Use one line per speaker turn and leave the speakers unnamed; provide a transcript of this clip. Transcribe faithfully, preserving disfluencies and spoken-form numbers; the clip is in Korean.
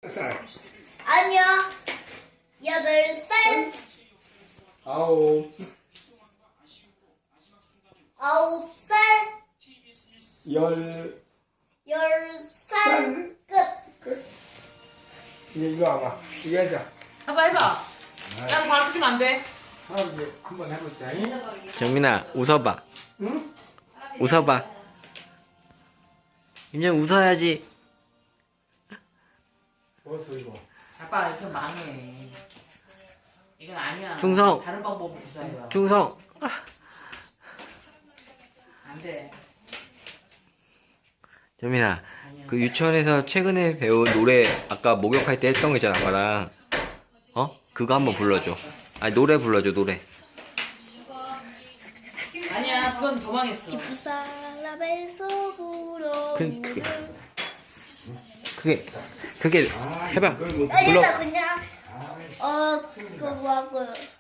살.
아니요. 여덟 살,
아홉.
아홉 살,
열.
열 살, 끝.
이제 이거 와봐. 이거 하자.
해봐 해봐. 야, 너 바로 주면 안 돼.
할아버지 한번 해보자. 응?
정민아 웃어봐.
응?
웃어봐. 그냥 웃어야지.
어서 이거.
아빠 이렇게 망해. 이건 아니야.
충성.
다른 방법으로 구사해봐.
충성.
안 돼.
정민아, 그 유치원에서 최근에 배운 노래 아까 목욕할 때 했던 거 있잖아, 아빠랑. 어? 그거 한번 불러줘. 아니 노래 불러줘, 노래.
아니야, 그건 도망했어.
부사람에서 불어.
그, 그, 그게 그게 해봐.
이걸 뭐
아니,
불러.
나 그냥, 어, 그거 뭐 하고.